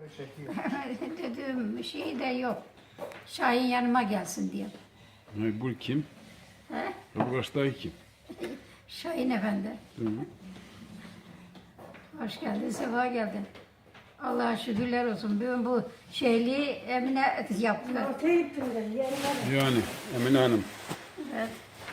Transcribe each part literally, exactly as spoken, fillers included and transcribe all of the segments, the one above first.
Dedim şey de yok. Şahin yanıma gelsin diye. Ne, bu kim? He? Bu karşıdaki kim? Şahin Efendi. Hı. Hoş geldin, sefa geldin. Allah'a şükürler olsun. Ben bu şeyliği Emine yaptı. Yani Emine Hanım. Evet.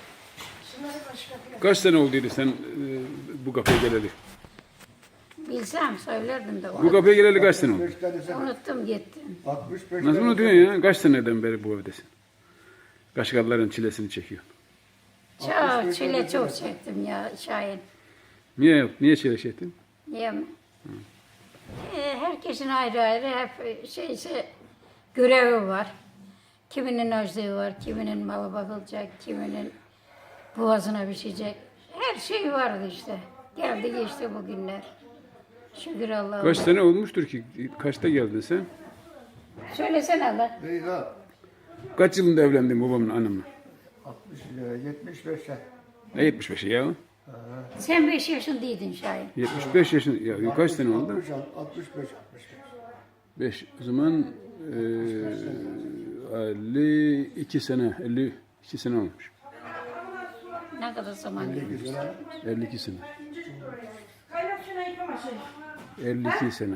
Kaç sene olduydu sen e, bu kafeye geleli? Bilsem söylerdim de. Bu kafeye geleli kaç sene oldu? altmış beş tane sen- Unuttum gitti. altmış beş Nasıl tane unutuyorsun ya? Kaç seneden beri bu evdesin? Kaşgarların çilesini çekiyor. Çok çile çok çektim ya Şahin. Niye niye çile çektin? Niye mi? Ee, herkesin ayrı ayrı hep şeyse görevi var. Kiminin özlüğü var, kiminin malı bakılacak, kiminin boğazına biçecek. Her şey vardı işte. Geldi geçti bu günler. Şükür Allah'a. Kaç sene olmuştur ki? Kaçta geldin sen? Söylesene lan. Değil ha. Kaç yılında evlendin babamın annemle? altmış, e, yetmiş beşe. Ne yetmiş beşi ya? Sen beş yaşındaydın Şahin. yetmiş beş yaşında. Ya kaç sene oldu? altmış, altmış beş, altmış beş. beş. O zaman e, elli iki sene, elli iki sene olmuş. Ne kadar zaman geçti. sekiz sene. elli iki sene. Kaynak şuna yıkama şey. elli iki sene.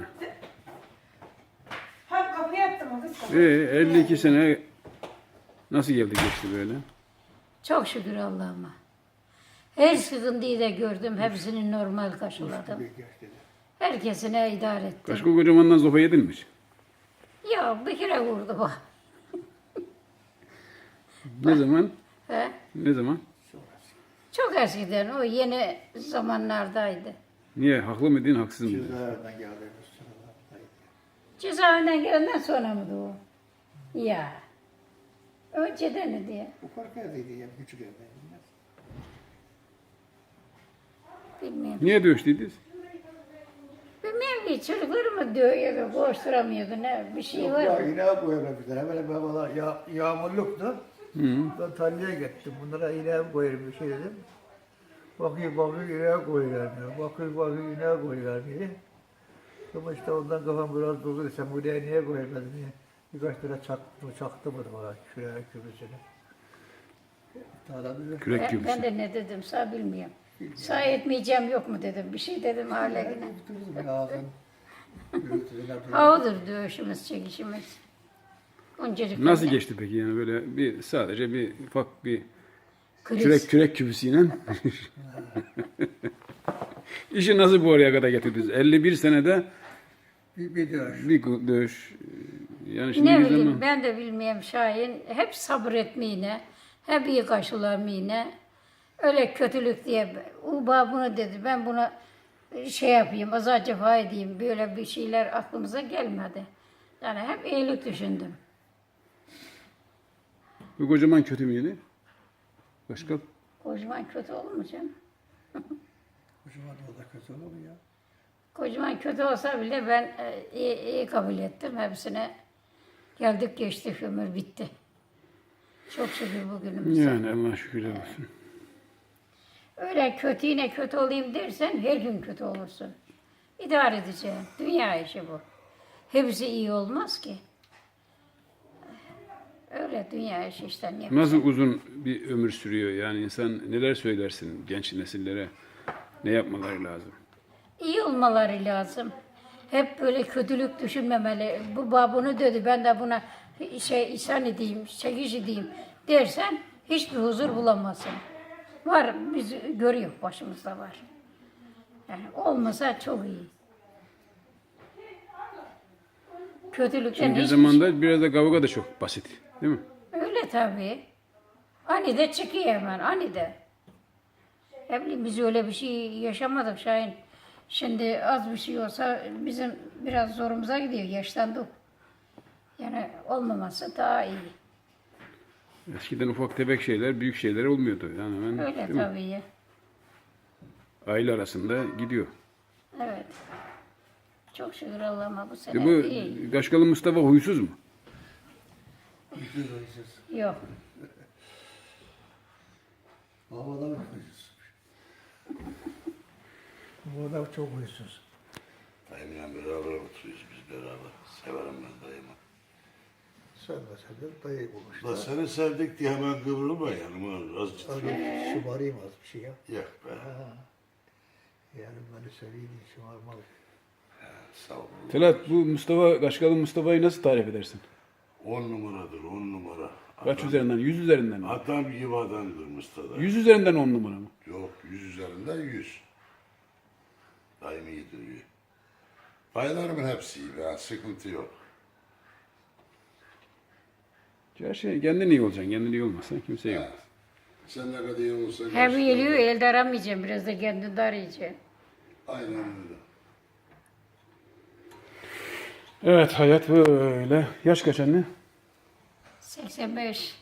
Ha kapıyı attım o kız. E, elli iki sene nasıl geldi geçti böyle? Çok şükür Allah'ıma. Her sıkıntıyı da gördüm. Hepsini normal karşıladım. Herkesine idare ettim. Kaşkol kocamandan zopa yedin mi hiç? Ya bir kere vurdu bu. Ne zaman? He? Ne zaman? Çok eskiden, o yeni zamanlardaydı. Niye? Haklı mıydın, haksız mıydın? Cezaevinden geldiğimiz sıralardaydı. Cezaevinden gelenden sonra mıydı o? Ya. Önceden mi diye? Bu korku evdeydi ya, küçük evdeydi. Bilmiyorum. Niye dövüştüydünüz? Bilmiyorum ki çocuklarımı dövüyordu, koşturamıyordu, ne bir şey Yok var ya mı? ineğe koyarlar bir tane. Hemen hemen valla ya, yağmurluktu. Ben tarlaya gittim. Bunlara ineğe koyarım bir şey dedim. Bakıyor bakıyor ineğe koyuyorlar diyor. Bakıyor bakıyor ineğe koyuyorlar diye. Ama işte ondan kafam biraz bozuldu. Sen bu ineğe niye koymadın diye. Birkaç tane çaktı, çaktı mı bana şuraya kübüsüne. Adam dedi. Kürek Ben, gibi. ben de ne dedim sağ bilmiyorum. Sağ etmeyeceğim yok mu dedim, bir şey dedim hala yine. Tutturdum ağzını. Gürültüden Ha odur dövüşümüz, çekişimiz. Öncecik Nasıl geçti peki yani böyle bir sadece bir ufak bir kriz. kürek kürek kübüsüyle İşi nasıl bu oraya kadar getirdiniz? elli bir senede bir, bir dövüş. bir dövüş. Yani şimdi Ne bir bileyim zaman ben de bilmiyorum Şahin. Hep sabretmeyine, hep iyi karşılamayine. Öyle kötülük diye, Uba bunu dedi, ben buna şey yapayım, azar cefa edeyim. Böyle bir şeyler aklımıza gelmedi. Yani hep iyilik düşündüm. bu kocaman kötü müydü? Başka? Kocaman kötü olur mu canım? O zaman o da kötü olur mu ya? Kocaman kötü olsa bile ben e, iyi, iyi kabul ettim. Hepsine geldik geçtik, ömür bitti. Çok şükür bugünümüze. Yani Allah şükürler olsun. Öyle kötü yine kötü olayım dersen her gün kötü olursun. İdare edeceğim. Dünya işi bu. Hepsi iyi olmaz ki. Öyle dünya işi işte. Ne Nasıl uzun bir ömür sürüyor yani insan neler söylersin genç nesillere ne yapmaları lazım? İyi olmaları lazım. Hep böyle kötülük düşünmemeli. Bu babunu dedi, ben de buna şey ihsan edeyim, çekiş edeyim dersen hiçbir huzur bulamazsın. Var, biz görüyor, başımızda var. Yani olmasa çok iyi. Kötülükten Şimdiki hiçbir zamanda biraz da kavga da çok basit değil mi? şey- Öyle tabii. Anide çıkıyor hemen, anide. Ne bileyim biz öyle bir şey yaşamadık Şahin. Şimdi az bir şey olsa bizim biraz zorumuza gidiyor, yaşlandık. Yani olmaması daha iyi. Eskiden ufak tefek şeyler büyük şeyler olmuyordu. Yani ben, Öyle değil mi? tabii. Aile arasında gidiyor. Evet. Çok şükür Allah'ıma bu sene E bu iyi. Kaşkalı Mustafa huysuz mu? Huysuz huysuz. Yok. Havada mı huysuz? Bu adam çok huysuz. Dayımla beraber oturuyoruz biz beraber. Sevmeseler dayı La bulmuşlar. seni sevdik diye hemen kıvrılma yanıma. Az ciddi. Abi şımarayım az bir şey ya. Yok be. Ha. Yani beni seveyim şımarmalı. Sağ ol. Telat, bu Mustafa, Kaşgalı Mustafa'yı nasıl tarif edersin? On numaradır, on numara. Kaç Adam- üzerinden? Yüz üzerinden mi? Adam gibi adamdır Mustafa. Yüz üzerinden on numara mı? Yok, yüz üzerinden yüz. Daimi iyidir iyi. Paylarımın hepsi iyi ya, sıkıntı yok. Her şey kendin iyi olacaksın. Kendin iyi olmazsan kimse iyi olmaz. Sen ne kadar iyi olursan... Hem olsun. geliyor elde aramayacağım. Biraz da kendinde arayacağım. Aynen öyle. Evet, hayat böyle. Yaş kaç anne? seksen beş.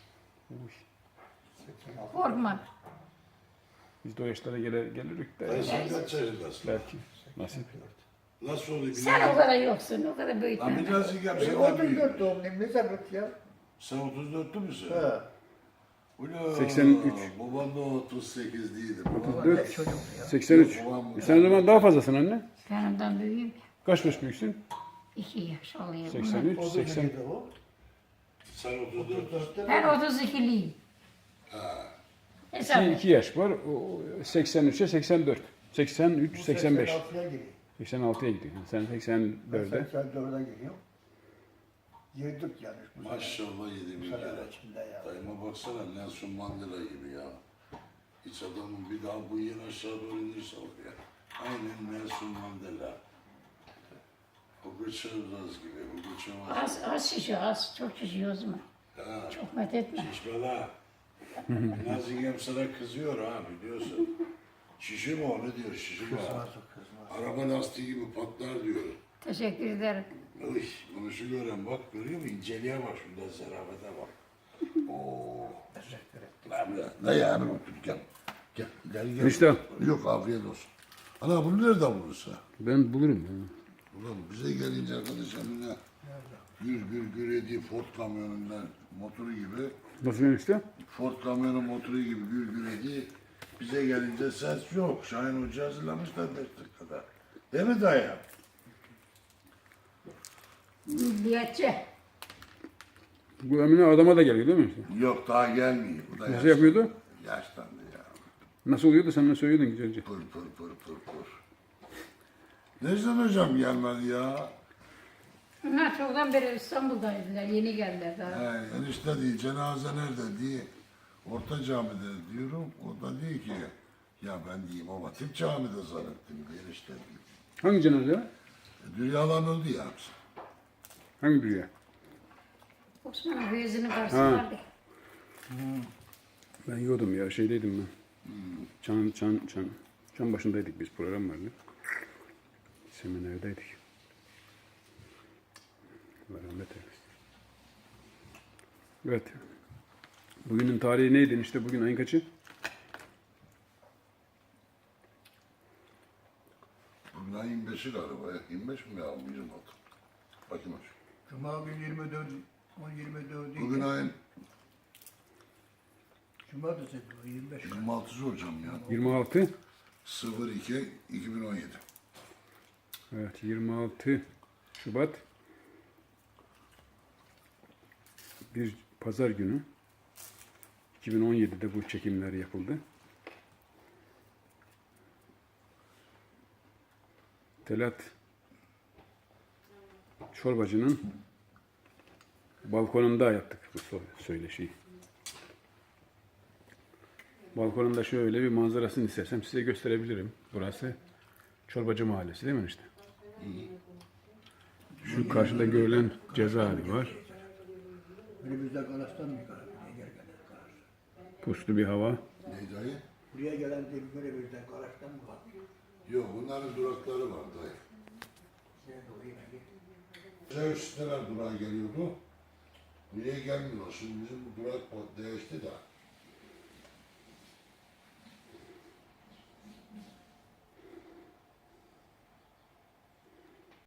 Korkma. Biz de o yaşlara gelir, gelirdik de. Dayı sen kaç yaşındasın? Belki. Nasip. Nasıl oluyor? Sen o kadar yoksun. O kadar Lan büyütme. bir daha zikam Ben sen otuz büyük. dört doğumluyum. Ne sebep ya? Sen otuz dörtlü müsün? He. Ula, seksen üç. Babam da otuz sekizliydi. Ulan dört. ne çocuk ya. seksen üç. Babam- Sen o zaman daha fazlasın anne. Ben ondan büyüğüm. Kaç yaş büyüksün? İki yaş oluyor. seksen üç, O da seksen. neydi o? Sen otuz otuz dört. dörtte Ben otuz ikiliyim. Hesap İki, et. iki yaş var. O seksen üçe seksen dört. seksen üç, bu seksen beş. seksen altıya giriyor. seksen altıya gidiyor. Sen seksen Ben dörde. seksen dörde giriyor. Girdik yani bu sene. Maşallah yedi Bu bin sene kere. içinde ya. Dayıma baksana Nelson Mandela gibi ya. Hiç adamın bir daha bu yeni aşağı doğru inirse oraya. Aynen Nelson Mandela. O Gıçırız gibi, bu Gıçırız. Az, az şişiyor, az. Çok şişiyor o zaman. Ha, Çok met etme. şişmela. Nazigem sana kızıyor ha biliyorsun. Şişi mi o ne diyor şişi mi? Kızmaz o kızmaz. Araba lastiği gibi patlar diyor. Teşekkür ederim. Uy, bunu şu gören bak görüyor musun? İnceliğe bak şurada zarafete bak. Oo. Teşekkür ederim. Lan ya, ne yani bu gel. Gel, gel, gel. Enişte. Yok afiyet olsun. Ana bunu nereden bulursa? Ben bulurum. ya. Ulan bize gelince arkadaş emine gür gür gür ediyor Ford kamyonundan motoru gibi. Nasıl enişte? Ford kamyonun motoru gibi gür gür ediyor. Bize gelince ses yok. Şahin Hoca hazırlamışlar beş dakikada. Değil mi dayı? Milliyetçi. Bu Emine adama da geliyor değil mi? Işte? Yok daha gelmiyor. Bu da Nasıl yaşlı- yapıyordu? Yaşlandı ya. Nasıl oluyordu? Sen ne söylüyordun güzelce? Pır pır pır pır pır. Necden hocam gelmedi ya? Onlar çoktan beri İstanbul'daydılar. Yeni geldiler daha. He, enişte diye cenaze nerede diye Orta Cami'de diyorum. O da diyor ki ya ben diyeyim ama Hatip Cami'de zannettim diye enişte diyor. Hangi cenaze var? E, Dünyadan öldü ya hepsi. Hangi dünya? Osman'ın hüyesinin karşısı Ha. vardı. Ben yiyordum ya, şeydeydim ben. Çan, çan, çan. Çan başındaydık biz, program vardı. Seminerdeydik. Allah rahmet eylesin. Evet. Bugünün tarihi neydi işte bugün ayın kaçı? Bugün ayın yirmi beşi galiba ya. yirmi beş mi ya? yirmi altı. Bakayım aç. Cuma günü yirmi dört, on yirmi dört Bugün ayın Cumartesi bu yirmi beş. yirmi altısı hocam ya. yirmi altı. sıfır iki iki bin on yedi. Evet, yirmi altı Şubat. Bir pazar günü. iki bin on yedide bu çekimler yapıldı. Telat Çorbacı'nın balkonunda yaptık bu so- söyleşiyi. Balkonunda şöyle bir manzarasını istersem size gösterebilirim. Burası Çorbacı Mahallesi değil mi işte? Şu karşıda görülen cezaevi var. Önümüzde Kalas'tan mı yukarı? Buraya gel gelen Kalas. Puslu bir hava. Neydi ayı? Buraya gelen de önümüzden Kalas'tan mı var? Yok bunların durakları var dayı. Nerede o yine git. Zeus neler durağa geliyordu? Buraya gelmiyor. Şimdi bizim bu durak değişti de.